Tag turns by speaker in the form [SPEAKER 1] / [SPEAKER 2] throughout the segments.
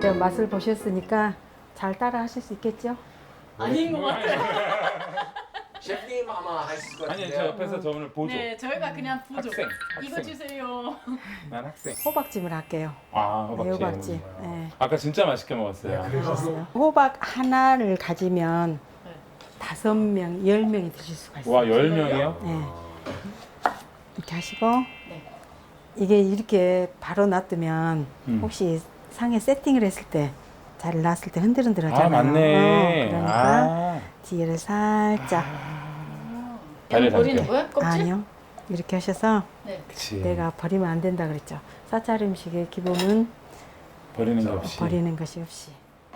[SPEAKER 1] 맛을 보셨으니까 잘 따라 하실 수 있겠죠?
[SPEAKER 2] 아닌 것 같아요.
[SPEAKER 3] 셰프님 아마 하실 것
[SPEAKER 4] 아니
[SPEAKER 3] 같은데요.
[SPEAKER 4] 저 옆에서 저 오늘 보조.
[SPEAKER 2] 네, 저희가 그냥 보조.
[SPEAKER 4] 학생.
[SPEAKER 2] 이거 주세요.
[SPEAKER 4] 난 학생.
[SPEAKER 1] 호박찜을 할게요.
[SPEAKER 4] 아
[SPEAKER 1] 네,
[SPEAKER 4] 호박찜.
[SPEAKER 1] 호박찜. 네.
[SPEAKER 4] 아까 진짜 맛있게 먹었어요.
[SPEAKER 1] 맛있어요. 호박 하나를 가지면
[SPEAKER 2] 네.
[SPEAKER 1] 5명, 10명이 드실 수가 있어요.
[SPEAKER 4] 와 10명이요?
[SPEAKER 1] 네. 이렇게 하시고
[SPEAKER 2] 네.
[SPEAKER 1] 이게 이렇게 바로 놔두면 혹시 상에 세팅을 했을 때 잘 놨을 때 흔들흔들 하잖아요.
[SPEAKER 4] 아 맞네.
[SPEAKER 1] 그러니까 뒤를 살짝
[SPEAKER 4] 다리
[SPEAKER 2] 버리는
[SPEAKER 4] 담게.
[SPEAKER 2] 거야? 껍질?
[SPEAKER 1] 아니요. 이렇게 하셔서
[SPEAKER 2] 네.
[SPEAKER 4] 그치.
[SPEAKER 1] 내가 버리면 안 된다 그랬죠. 사찰 음식의 기본은
[SPEAKER 4] 버리는 게 없이.
[SPEAKER 1] 버리는 것이 없이.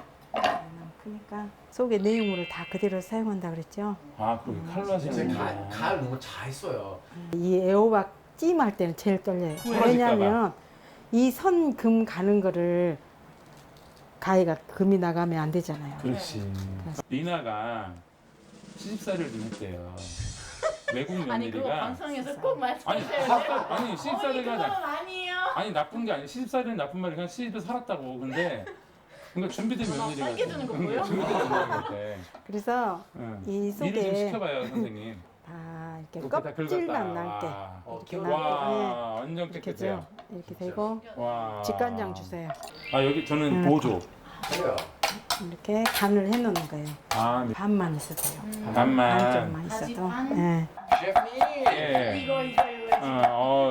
[SPEAKER 1] 그러니까 속의 내용물을 다 그대로 사용한다 그랬죠.
[SPEAKER 4] 아 그렇게 칼로 하시는 거예요.
[SPEAKER 3] 갈 너무 잘 써요.
[SPEAKER 1] 이 애호박 찜할 때는 제일 떨려요.
[SPEAKER 4] 부러질까
[SPEAKER 1] 왜냐하면 이 선 금 가는 거를 가위가 금이 나가면 안 되잖아요.
[SPEAKER 4] 그렇지. 리나가 시집살이를 좀 했대요. 외국
[SPEAKER 2] 아니 그거
[SPEAKER 4] 며느리가
[SPEAKER 2] 방송에서 꼭
[SPEAKER 4] 아니
[SPEAKER 2] 말씀하셔야 돼요.
[SPEAKER 4] 아니 시집살이가
[SPEAKER 2] 그건 아니에요.
[SPEAKER 4] 아니 나쁜 게 아니 시집살이는 나쁜 말이 그냥 시집에 살았다고. 근데 그러니까 준비된 며느리가
[SPEAKER 2] 살게 주는 거 보여?
[SPEAKER 4] 준비된 며느리인데.
[SPEAKER 1] 그래서
[SPEAKER 4] 응.
[SPEAKER 1] 이
[SPEAKER 4] 일을 좀
[SPEAKER 1] 속에
[SPEAKER 4] 시켜봐요 선생님.
[SPEAKER 1] 다 이렇게
[SPEAKER 4] 이렇게 다
[SPEAKER 1] 껍질만
[SPEAKER 4] 긁었다.
[SPEAKER 1] 남게
[SPEAKER 4] 와.
[SPEAKER 1] 이렇게
[SPEAKER 3] 와,
[SPEAKER 1] 남게
[SPEAKER 4] 와 완전
[SPEAKER 1] 이렇게
[SPEAKER 4] 깨끗해요.
[SPEAKER 1] 죠 이렇게 되고
[SPEAKER 4] 와.
[SPEAKER 1] 직간장 주세요.
[SPEAKER 4] 아 여기 저는 보조.
[SPEAKER 3] 그래요.
[SPEAKER 1] 이렇게 간을 해놓는 거예요.
[SPEAKER 4] 아 네.
[SPEAKER 1] 반만 있어도 돼요.
[SPEAKER 4] 반만.
[SPEAKER 1] 반쪽만
[SPEAKER 2] 다시
[SPEAKER 1] 있어도.
[SPEAKER 2] 반?
[SPEAKER 1] 예.
[SPEAKER 3] 셰프님.
[SPEAKER 4] 예.
[SPEAKER 2] 이거.
[SPEAKER 4] 어.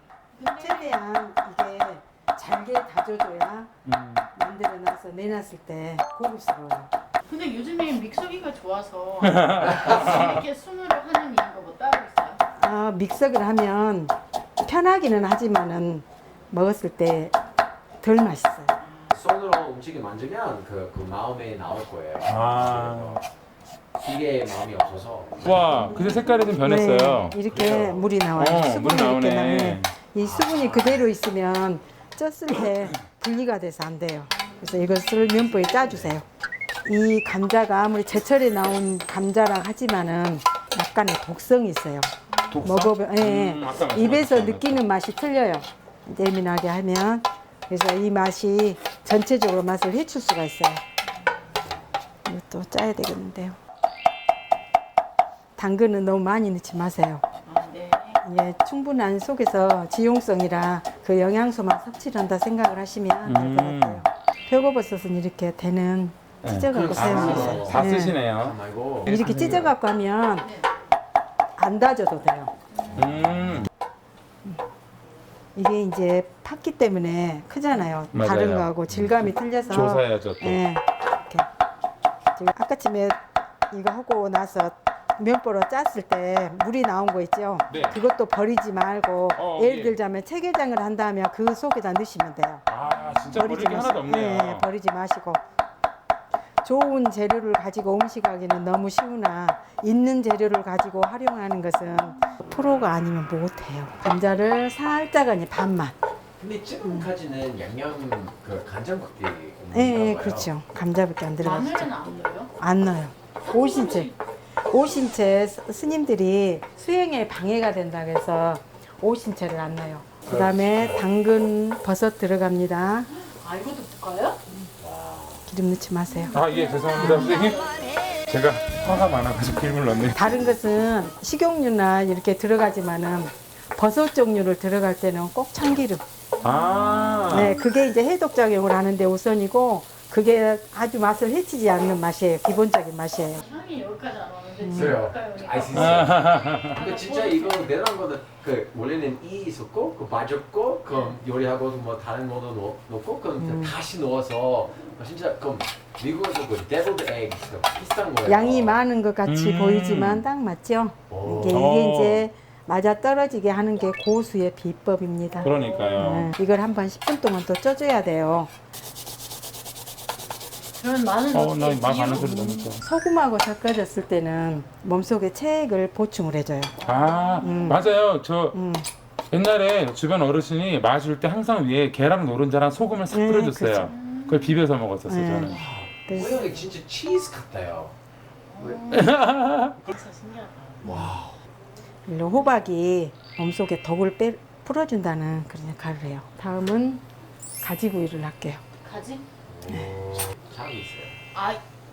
[SPEAKER 1] 최대한 이게 잘게 다져줘야 만들어놔서 내놨을 때 고급스러워요.
[SPEAKER 2] 근데 요즘에 믹서기가 좋아서 이렇게 손으로 하는 이유가 뭐 따로 있어요?
[SPEAKER 1] 아, 믹서기를 하면 편하기는 하지만은 먹었을 때 덜 맛있어요.
[SPEAKER 3] 손으로 음식을 만지면 그 마음에 나올 거예요.
[SPEAKER 4] 아.
[SPEAKER 3] 이게 마음이 없어서.
[SPEAKER 4] 와, 근데 색깔이 좀 변했어요.
[SPEAKER 1] 네, 이렇게 물이 나와요. 수분이
[SPEAKER 4] 물
[SPEAKER 1] 이렇게
[SPEAKER 4] 나오네.
[SPEAKER 1] 나오네. 이 수분이 그대로 있으면 쪘을 때 분리가 돼서 안 돼요. 그래서 이것을 면보에 짜주세요. 이 감자가 아무리 제철에 나온 감자라 하지만은 약간의 독성이 있어요.
[SPEAKER 4] 독성?
[SPEAKER 1] 먹어보, 예,
[SPEAKER 4] 아까 말씀하셨잖아요.
[SPEAKER 1] 입에서 느끼는 맛이 틀려요. 예민하게 하면. 그래서 이 맛이 전체적으로 맛을 해칠 수가 있어요. 이것도 짜야 되겠는데요. 당근은 너무 많이 넣지 마세요.
[SPEAKER 2] 아, 네.
[SPEAKER 1] 예, 충분한 속에서 지용성이라 그 영양소만 섭취를 한다 생각을 하시면 될 것 같아요. 표고버섯은 이렇게 대는 찢어갖고 사용해요.
[SPEAKER 4] 다
[SPEAKER 1] 네.
[SPEAKER 4] 쓰시네요.
[SPEAKER 3] 말고.
[SPEAKER 1] 이렇게 찢어갖고 하면 안 다져도 돼요. 이게 이제 팠기 때문에 크잖아요.
[SPEAKER 4] 맞아요.
[SPEAKER 1] 다른 거하고 질감이 틀려서.
[SPEAKER 4] 조사해야죠 또.
[SPEAKER 1] 예, 이렇게. 지금 아까쯤에 이거 하고 나서 면보로 짰을 때 물이 나온 거 있죠?
[SPEAKER 4] 네.
[SPEAKER 1] 그것도 버리지 말고 예를
[SPEAKER 4] 예.
[SPEAKER 1] 들자면 체계장을 한다면 그 속에다 넣으시면 돼요.
[SPEAKER 4] 아, 진짜 버릴 게 하나도 없네요.
[SPEAKER 1] 네, 버리지 마시고. 좋은 재료를 가지고 음식하기는 너무 쉬우나 있는 재료를 가지고 활용하는 것은 프로가 아니면 못해요. 감자를 살짝 아니 반만.
[SPEAKER 3] 근데 지금까지는 양념 그 간장국이
[SPEAKER 1] 네, 그렇죠. 감자밖에 안 들어가죠.
[SPEAKER 2] 마늘은 안 넣어요?
[SPEAKER 1] 안 넣어요. 오신채 스님들이 수행에 방해가 된다 그래서 오신채를 안 넣어요. 그다음에 당근, 버섯 들어갑니다.
[SPEAKER 2] 아, 이것도 볶아요?
[SPEAKER 1] 기름 넣지 마세요.
[SPEAKER 4] 아, 예, 죄송합니다, 선생님. 제가 화가 많아가지고 기름을 넣네요.
[SPEAKER 1] 다른 것은 식용유나 이렇게 들어가지만은 버섯 종류를 들어갈 때는 꼭 참기름.
[SPEAKER 4] 아,
[SPEAKER 1] 네, 그게 이제 해독 작용을 하는데 우선이고 그게 아주 맛을 해치지 않는 맛이에요. 기본적인 맛이에요.
[SPEAKER 2] 향이 여기까지 안 오는데
[SPEAKER 3] 그래요.
[SPEAKER 2] 볶아요.
[SPEAKER 3] 아시죠? 근데 진짜 이거 내놓은 거는 그 원래는 이 있었고 그 빠졌고 그 요리하고 뭐 다른 거도 넣고 그 다시 넣어서 진짜 그 미국에서 그 데블드 에그 비슷한 거예요.
[SPEAKER 1] 양이 많은 것 같이 보이지만 딱 맞죠?
[SPEAKER 3] 오.
[SPEAKER 1] 이게 이제 맞아 떨어지게 하는 게 고수의 비법입니다.
[SPEAKER 4] 그러니까요.
[SPEAKER 1] 네, 이걸 한번 10분 동안 또 쪄줘야 돼요.
[SPEAKER 2] 저는 마늘
[SPEAKER 4] 나
[SPEAKER 2] 어떻게
[SPEAKER 4] 말 많은
[SPEAKER 2] 비율?
[SPEAKER 4] 소리 너무 좋아.
[SPEAKER 1] 소금하고 섞어졌을 때는 몸속에 체액을 보충을 해줘요.
[SPEAKER 4] 아, 맞아요. 저
[SPEAKER 1] 음.
[SPEAKER 4] 옛날에 주변 어르신이 마실 때 항상 위에 계란 노른자랑 소금을 싹
[SPEAKER 1] 네,
[SPEAKER 4] 뿌려줬어요.
[SPEAKER 1] 그렇죠.
[SPEAKER 4] 그걸 비벼서 먹었었어요,
[SPEAKER 1] 네.
[SPEAKER 4] 저는.
[SPEAKER 1] 그래서
[SPEAKER 3] 모양이 진짜 치즈 같아요.
[SPEAKER 2] 진짜 신기하다.
[SPEAKER 3] 와.
[SPEAKER 1] 물론 호박이 몸속에 독을 풀어준다는 그런 역할을 해요. 다음은 가지구이를 할게요.
[SPEAKER 2] 가지?
[SPEAKER 3] 잘 있어요.
[SPEAKER 2] 아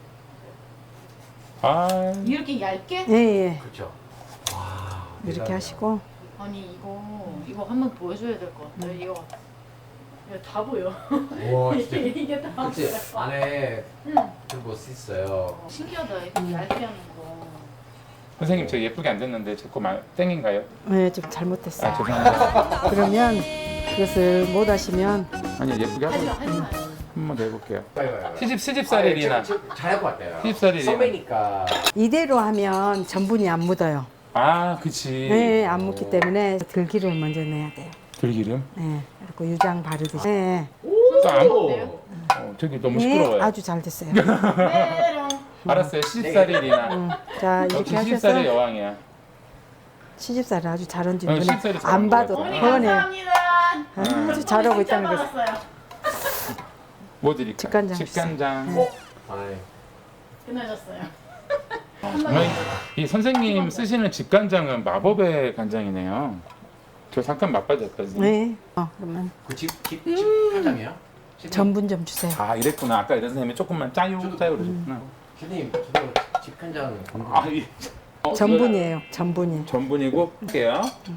[SPEAKER 4] 아,
[SPEAKER 2] 이렇게 얇게?
[SPEAKER 1] 예.
[SPEAKER 3] 그렇죠. 와.
[SPEAKER 1] 이렇게
[SPEAKER 3] 대단하다.
[SPEAKER 1] 하시고
[SPEAKER 2] 아니 이거 한번 보여줘야 될 것 같아. 이거 다 보여.
[SPEAKER 3] 와 진짜.
[SPEAKER 2] 이게 다
[SPEAKER 3] 그치
[SPEAKER 2] 보여.
[SPEAKER 3] 안에
[SPEAKER 2] 응.
[SPEAKER 3] 좀뭐 있어요.
[SPEAKER 2] 신기하다. 이렇게 얇게 하는 거.
[SPEAKER 4] 선생님 저 예쁘게 안 됐는데 제 거 땡인가요?
[SPEAKER 1] 네, 좀 잘못됐어요.
[SPEAKER 4] 아 죄송합니다.
[SPEAKER 1] 그러면 그것을 못 하시면
[SPEAKER 4] 아니 예쁘게
[SPEAKER 2] 하지
[SPEAKER 4] 하고
[SPEAKER 2] 마, 하지 마.
[SPEAKER 4] 한 번 더 해볼게요.
[SPEAKER 3] 빨리.
[SPEAKER 4] 시집살이 리나.
[SPEAKER 3] 잘할 것 같아요.
[SPEAKER 4] 시집살이 리나.
[SPEAKER 3] 선배니까.
[SPEAKER 1] 이대로 하면 전분이 안 묻어요.
[SPEAKER 4] 아 그치.
[SPEAKER 1] 네, 안 묻기 때문에 들기름을 먼저 넣어야 돼요.
[SPEAKER 4] 들기름.
[SPEAKER 1] 네, 그리고 유장 바르듯이. 네,
[SPEAKER 4] 안
[SPEAKER 2] 어때요?
[SPEAKER 4] 저기 너무
[SPEAKER 1] 네,
[SPEAKER 4] 시끄러워요.
[SPEAKER 1] 아주 잘 됐어요.
[SPEAKER 2] 메롱.
[SPEAKER 4] 알았어요. 시집살이 리나.
[SPEAKER 1] 자,
[SPEAKER 4] 역시
[SPEAKER 1] 이렇게 하셔서
[SPEAKER 4] 시집살이 여왕이야.
[SPEAKER 1] 시집살을 아주 잘 얹은
[SPEAKER 4] 어,
[SPEAKER 1] 분은
[SPEAKER 4] 시집살이 잘
[SPEAKER 1] 안
[SPEAKER 4] 얹은
[SPEAKER 1] 봐도
[SPEAKER 4] 것
[SPEAKER 2] 어머니
[SPEAKER 4] 같아요.
[SPEAKER 1] 뻔해요.
[SPEAKER 2] 감사합니다.
[SPEAKER 1] 아주 잘하고
[SPEAKER 2] 진짜
[SPEAKER 1] 있다는 거죠.
[SPEAKER 2] 받았어요.
[SPEAKER 4] 뭐 드릴까?
[SPEAKER 1] 직간장
[SPEAKER 4] 직간장.
[SPEAKER 3] 아이.
[SPEAKER 2] 끝나셨어요.
[SPEAKER 4] 어머니, 이 선생님 쓰시는 직간장은 마법의 간장이네요. 저 잠깐 맛봐줬거든요.
[SPEAKER 1] 네, 그러면
[SPEAKER 3] 그집 사장이에요?
[SPEAKER 1] 전분 좀 주세요.
[SPEAKER 4] 아 이랬구나. 아까 이런 선생님이 조금만 짜요 그러셨구나.
[SPEAKER 3] 슈님 저도 집간장.
[SPEAKER 4] 아 이.
[SPEAKER 1] 전분이에요, 전분이.
[SPEAKER 4] 전분이고 할게요.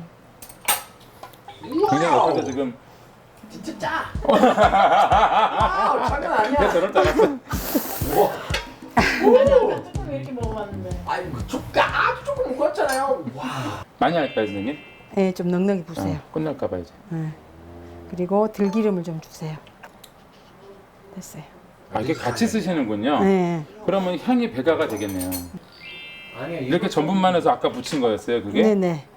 [SPEAKER 4] 굉장히 못하죠 지금.
[SPEAKER 3] 진짜 짜. 아, 장난 아니야.
[SPEAKER 4] 내가 저럴 줄 알았어.
[SPEAKER 3] 우와.
[SPEAKER 2] 아까 조금 이렇게 먹어봤는데.
[SPEAKER 3] 아니 그 아주 조금 먹었잖아요. 와.
[SPEAKER 4] 많이 할까요 선생님?
[SPEAKER 1] 네, 좀 넉넉히 부세요.
[SPEAKER 4] 끝날까봐 이제.
[SPEAKER 1] 네. 그리고 들기름을 좀 주세요. 됐어요.
[SPEAKER 4] 아 이게 같이 쓰시는군요.
[SPEAKER 1] 네,
[SPEAKER 4] 그러면 향이 배가가 되겠네요.
[SPEAKER 3] 아니야
[SPEAKER 4] 이렇게 전분만 해서 아까 붙인 거였어요 그게?
[SPEAKER 1] 네, 네.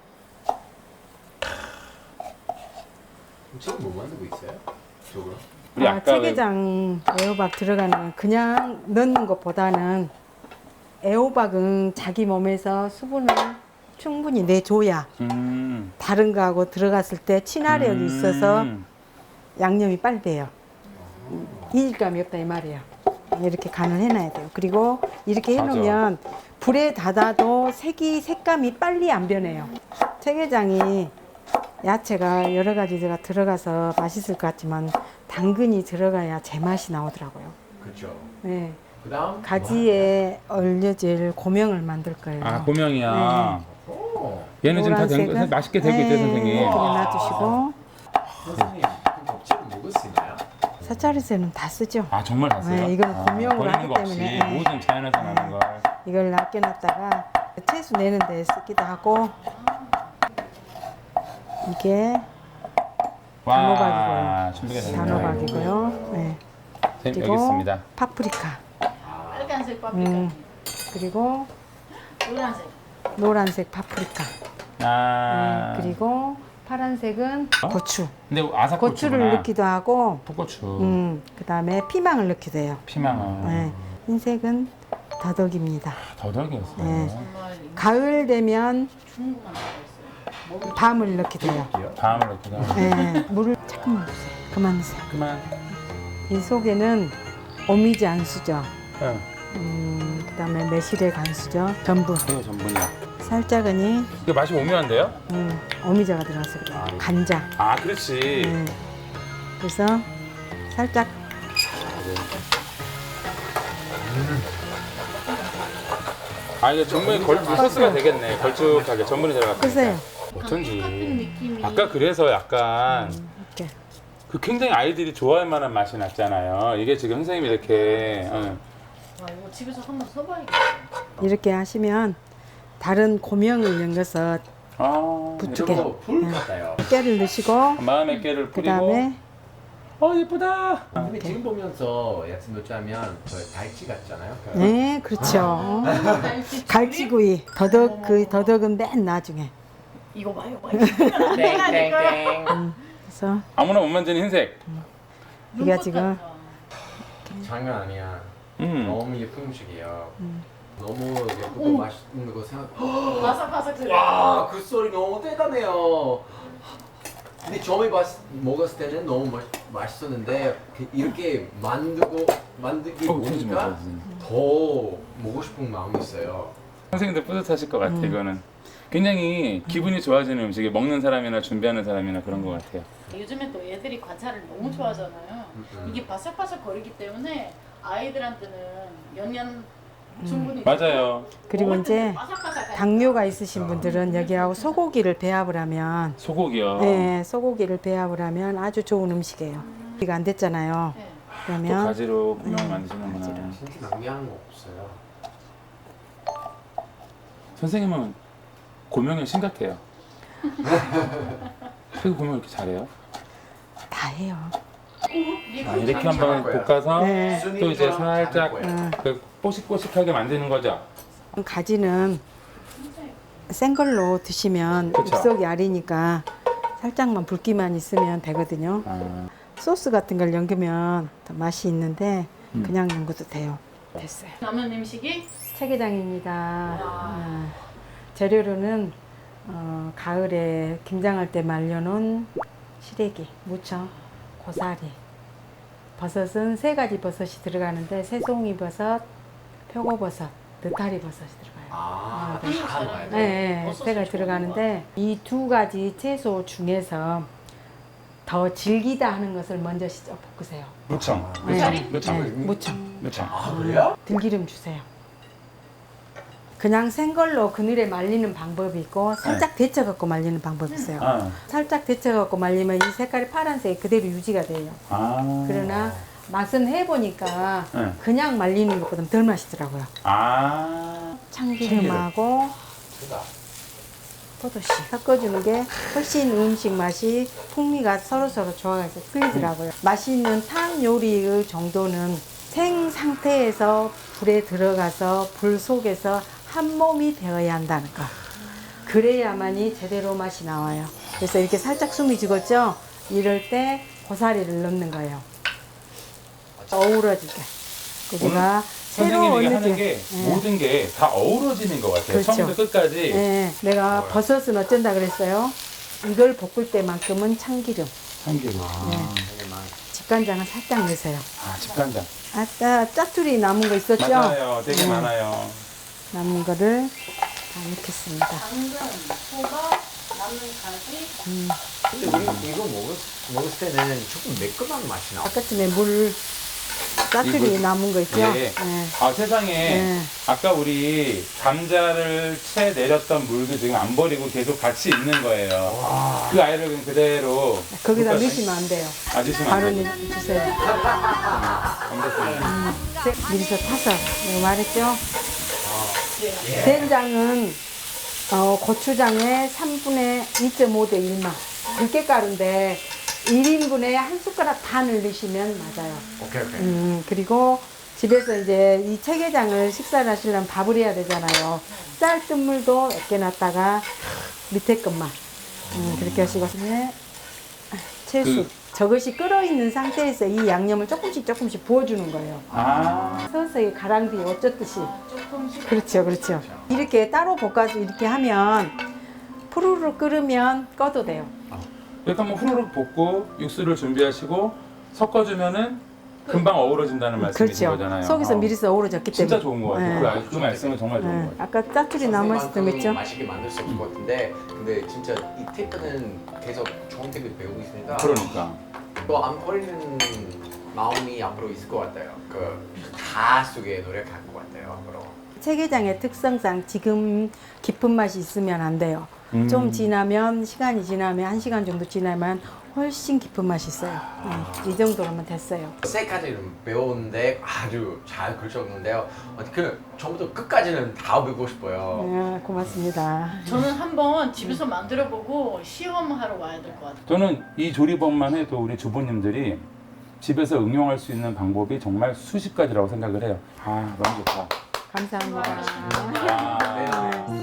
[SPEAKER 3] 지금 뭐 만들고 있어요? 저거.
[SPEAKER 4] 우리
[SPEAKER 1] 아,
[SPEAKER 4] 아까
[SPEAKER 1] 체계장 애호박 들어가는 건 그냥 넣는 것보다는 애호박은 자기 몸에서 수분을 충분히 내줘야 다른 거하고 들어갔을 때 친화력이 있어서 양념이 빨리 돼요. 이질감이 없다 이 말이에요. 이렇게 간을 해놔야 돼요. 그리고 이렇게 해놓으면 불에 닫아도 색감이 빨리 안 변해요. 체계장이 야채가 여러 가지가 들어가서 맛있을 것 같지만 당근이 들어가야 제맛이 나오더라고요.
[SPEAKER 3] 그렇죠.
[SPEAKER 1] 네.
[SPEAKER 3] 그다음
[SPEAKER 1] 가지에 얼려질 고명을 만들 거예요.
[SPEAKER 4] 아 고명이야.
[SPEAKER 3] 오.
[SPEAKER 4] 얘는 지금 다 된 거
[SPEAKER 1] 노란색은-
[SPEAKER 4] 맛있게 되고 있대
[SPEAKER 1] 네,
[SPEAKER 4] 선생님.
[SPEAKER 1] 그냥 놔두시고
[SPEAKER 3] 선생님 접시를 먹을 수 있나요?
[SPEAKER 1] 사짜리새는 다 쓰죠.
[SPEAKER 4] 아 정말 다 써요?
[SPEAKER 1] 네, 이거는 고명으로
[SPEAKER 4] 버리는
[SPEAKER 1] 하기
[SPEAKER 4] 거 없이
[SPEAKER 1] 때문에, 네.
[SPEAKER 4] 모든 자연에서 나는 걸.
[SPEAKER 1] 이걸 아껴놨다가 채수 내는 데 쓰기도 하고 이게
[SPEAKER 4] 와 준비가 됐네요.
[SPEAKER 1] 단호박이고요. 네.
[SPEAKER 4] 선생님,
[SPEAKER 1] 그리고
[SPEAKER 4] 여기 있습니다.
[SPEAKER 1] 파프리카.
[SPEAKER 2] 빨간색 파프리카.
[SPEAKER 1] 그리고
[SPEAKER 2] 노란색.
[SPEAKER 1] 노란색 파프리카.
[SPEAKER 4] 아
[SPEAKER 1] 그리고 파란색은 고추.
[SPEAKER 4] 근데 아삭고추구나.
[SPEAKER 1] 고추를 넣기도 하고,
[SPEAKER 4] 풋고추,
[SPEAKER 1] 그다음에 피망을 넣기도 해요.
[SPEAKER 4] 피망은
[SPEAKER 1] 네. 흰색은 더덕입니다.
[SPEAKER 4] 더덕이었어요.
[SPEAKER 1] 네.
[SPEAKER 2] 정말
[SPEAKER 1] 가을 되면
[SPEAKER 2] 중국만 먹었어요.
[SPEAKER 1] 밤을 넣기도 해요.
[SPEAKER 4] 밤을 넣기도 하고.
[SPEAKER 1] 네. 물을 조금만 넣으세요. 그만 넣으세요.
[SPEAKER 4] 그만.
[SPEAKER 1] 이 속에는 오미지 안수죠.
[SPEAKER 4] 응.
[SPEAKER 1] 그다음에 매실의 간수죠. 전분.
[SPEAKER 4] 이거 전분이야.
[SPEAKER 1] 살짝은이
[SPEAKER 4] 이거 맛이 오묘한데요?
[SPEAKER 1] 오미자가 들어가서 그래요. 간장.
[SPEAKER 4] 아 그렇지.
[SPEAKER 1] 네. 그래서 살짝
[SPEAKER 4] 아 이거 전분이 소스가 되겠네. 걸쭉하게 전분이 들어갔으니까.
[SPEAKER 1] 끄세요.
[SPEAKER 4] 어쩐지.
[SPEAKER 2] 느낌이.
[SPEAKER 4] 아까 그래서 약간
[SPEAKER 1] 이렇게.
[SPEAKER 4] 그 굉장히 아이들이 좋아할 만한 맛이 났잖아요. 이게 지금 선생님이 이렇게
[SPEAKER 2] 와 이거 집에서 한번 써봐야겠다.
[SPEAKER 1] 이렇게 하시면 다른 고명을 연겨서
[SPEAKER 4] 아
[SPEAKER 1] 부추게.
[SPEAKER 3] 저거 불 같아요.
[SPEAKER 1] 깨를 넣으시고
[SPEAKER 4] 마음의 깨를 뿌리고.
[SPEAKER 1] 그다음에
[SPEAKER 4] 예쁘다.
[SPEAKER 3] 근데 지금 보면서 야채 넣자면 그 달치 같잖아요. 그
[SPEAKER 1] 네 그렇죠. 갈치구이 더덕은 맨 나중에.
[SPEAKER 2] 이거 봐요. 이거
[SPEAKER 3] 땡땡땡.
[SPEAKER 1] 그래서
[SPEAKER 4] 아무나 못 만지는 흰색.
[SPEAKER 1] 이게 지금
[SPEAKER 3] 장난 아니야.
[SPEAKER 4] 음.
[SPEAKER 3] 너무 예쁜 음식이에요. 너무 예쁘고 맛있는 거 생각.
[SPEAKER 2] 바삭바삭 들어.
[SPEAKER 3] 와, 그 소리 너무 대단해요. 근데 처음에 먹었을 때는 너무 맛있었는데 이렇게 만들기 보니까 더 먹고 싶은 마음이 있어요.
[SPEAKER 4] 선생님도 뿌듯하실 것 같아 이거는. 굉장히 기분이 좋아지는 음식이 먹는 사람이나 준비하는 사람이나 그런 것 같아요.
[SPEAKER 2] 요즘에 또 애들이 관찰을 너무 좋아하잖아요. 이게 바삭바삭 거리기 때문에 아이들한테는 연년 충분히
[SPEAKER 4] 맞아요.
[SPEAKER 1] 그리고
[SPEAKER 2] 먹을 때도
[SPEAKER 1] 이제
[SPEAKER 2] 바삭바삭하니까.
[SPEAKER 1] 당뇨가 있으신 분들은 여기하고 소고기를 배합을 하면
[SPEAKER 4] 소고기요.
[SPEAKER 1] 네, 소고기를 배합을 하면 아주 좋은 음식이에요. 이거 안 됐잖아요.
[SPEAKER 2] 네.
[SPEAKER 4] 또
[SPEAKER 1] 그러면
[SPEAKER 4] 가지로 분명히 만드시는구나.
[SPEAKER 1] 가지로.
[SPEAKER 3] 진짜 낭비하는 거 없어요.
[SPEAKER 4] 선생님은 고명이 심각해요. 태국 고명 이렇게 잘해요?
[SPEAKER 1] 다 해요.
[SPEAKER 4] 아, 이렇게 한번 볶아서
[SPEAKER 1] 네.
[SPEAKER 4] 또 이제 살짝 그 뽀식뽀식하게 만드는 거죠.
[SPEAKER 1] 가지는 센 걸로 드시면
[SPEAKER 4] 그쵸.
[SPEAKER 1] 입속이 아리니까 살짝만 붉기만 있으면 되거든요.
[SPEAKER 4] 아,
[SPEAKER 1] 소스 같은 걸 연기면 더 맛이 있는데 그냥 연구도 돼요. 됐어요.
[SPEAKER 2] 남은 음식이
[SPEAKER 1] 체계장입니다. 재료로는 가을에 김장할 때 말려놓은 시래기, 무청, 고사리, 버섯은 3가지 버섯이 들어가는데 새송이 버섯, 표고버섯, 느타리 버섯이 들어가요.
[SPEAKER 2] 한국
[SPEAKER 3] 다 넣어야
[SPEAKER 2] 사람들
[SPEAKER 3] 돼.
[SPEAKER 1] 네,
[SPEAKER 2] 버섯을
[SPEAKER 1] 3가지
[SPEAKER 2] 좋아하는
[SPEAKER 1] 들어가는데 이 2가지 채소 중에서 더 질기다 하는 것을 먼저 볶으세요.
[SPEAKER 4] 무청.
[SPEAKER 1] 네.
[SPEAKER 4] 무청.
[SPEAKER 1] 네, 무청.
[SPEAKER 4] 무청.
[SPEAKER 3] 아 그래요?
[SPEAKER 1] 들기름 주세요. 그냥 생 걸로 그늘에 말리는 방법이 있고 살짝 데쳐갖고 말리는 방법이 있어요.
[SPEAKER 4] 아,
[SPEAKER 1] 살짝 데쳐갖고 말리면 이 색깔이 파란색이 그대로 유지가 돼요.
[SPEAKER 4] 아.
[SPEAKER 1] 그러나 맛은 해보니까
[SPEAKER 4] 네.
[SPEAKER 1] 그냥 말리는 것보다 덜 맛있더라고요.
[SPEAKER 4] 아.
[SPEAKER 1] 참기름하고 포도씨 섞어주는 게 훨씬 음식 맛이 풍미가 서로서로 좋아서 풀리더라고요. 맛있는 탕 요리의 정도는 생 상태에서 불에 들어가서 불 속에서 한 몸이 되어야 한다는 거. 그래야만이 제대로 맛이 나와요. 그래서 이렇게 살짝 숨이 죽었죠? 이럴 때 고사리를 넣는 거예요. 어우러지게. 거기가 새로
[SPEAKER 4] 선생님이
[SPEAKER 1] 어느
[SPEAKER 4] 하는 게 모든 게 다 어우러지는 것 같아요.
[SPEAKER 1] 그렇죠.
[SPEAKER 4] 처음부터 끝까지.
[SPEAKER 1] 네, 내가 버섯은 어쩐다 그랬어요? 이걸 볶을 때만큼은 참기름,
[SPEAKER 4] 참기름.
[SPEAKER 1] 집간장을 살짝 넣으세요.
[SPEAKER 4] 아, 집간장.
[SPEAKER 1] 아까 짜투리 남은 거 있었죠?
[SPEAKER 4] 맞아요. 되게 많아요.
[SPEAKER 1] 남은 거를 다 넣겠습니다.
[SPEAKER 2] 당근, 호박, 남은 가지.
[SPEAKER 3] 근데 우리 이거 먹을 때는 조금 매콤한 맛이 나.
[SPEAKER 1] 아까쯤에 물 짜투리
[SPEAKER 4] 이거-
[SPEAKER 1] 남은 거 있죠?
[SPEAKER 4] 예.
[SPEAKER 1] 네.
[SPEAKER 4] 아, 세상에.
[SPEAKER 1] 네.
[SPEAKER 4] 아까 우리 감자를 채 내렸던 물도 지금 안 버리고 계속 같이 있는 거예요. 그 아이를 그냥 그대로.
[SPEAKER 1] 거기다
[SPEAKER 4] 볶아서-
[SPEAKER 1] 넣으시면 안 돼요.
[SPEAKER 4] 아, 넣으시면
[SPEAKER 1] 바로
[SPEAKER 4] 안 돼요.
[SPEAKER 1] 넣으세요. 미리서 타서 내가 말했죠? 된장은 고추장의 3분의 2.5대 1만 들깨가루인데 1인분에 한 숟가락 반을 넣으시면 맞아요.
[SPEAKER 3] 오케이.
[SPEAKER 1] 그리고 집에서 이제 이 체계장을 식사를 하시려면 밥을 해야 되잖아요. 쌀뜨물도 몇 개 놨다가 밑에 것만 그렇게 하시고 네. 채수 저것이 끓어있는 상태에서 이 양념을 조금씩 부어주는 거예요.
[SPEAKER 4] 아,
[SPEAKER 1] 서서히 가랑비 어쩌듯이.
[SPEAKER 2] 조금씩.
[SPEAKER 1] 그렇죠. 이렇게 따로 볶아서 이렇게 하면 푸르르 끓으면 꺼도 돼요.
[SPEAKER 4] 이렇게 한번 후루룩 볶고 육수를 준비하시고 섞어주면은 금방 어우러진다는 말씀이신
[SPEAKER 1] 그렇죠.
[SPEAKER 4] 거잖아요.
[SPEAKER 1] 속에서 미리서 어우러졌기 때문에.
[SPEAKER 4] 진짜 좋은 것 같아요.
[SPEAKER 1] 네.
[SPEAKER 4] 그 말씀은 정말 좋은
[SPEAKER 1] 네.
[SPEAKER 4] 것 같아요.
[SPEAKER 1] 아까 짜투리 남았을 때 있죠?
[SPEAKER 3] 맛있게 만들 수 없을 것 같은데 근데 진짜 이 팁은 계속 좋은 팁을 배우고 있으니까
[SPEAKER 4] 그러니까.
[SPEAKER 3] 또 안 버리는 마음이 앞으로 있을 것 같아요. 그 다 속에 노력할 것 같아요. 앞으로.
[SPEAKER 1] 체계장의 특성상 지금 깊은 맛이 있으면 안 돼요. 좀 지나면 시간이 지나면 1시간 정도 지나면 훨씬 깊은 맛이 있어요. 이 정도로면 됐어요.
[SPEAKER 3] 세 가지를 배우는데 아주 잘 그려졌는데요. 그 처음부터 끝까지는 다 배우고 싶어요.
[SPEAKER 1] 네, 고맙습니다.
[SPEAKER 2] 저는 한번 집에서 만들어보고 시험하러 와야 될 것 같아요.
[SPEAKER 4] 저는 이 조리법만 해도 우리 주부님들이 집에서 응용할 수 있는 방법이 정말 수십 가지라고 생각을 해요. 아, 너무 좋다.
[SPEAKER 1] 감사합니다.
[SPEAKER 4] 아,
[SPEAKER 3] 네.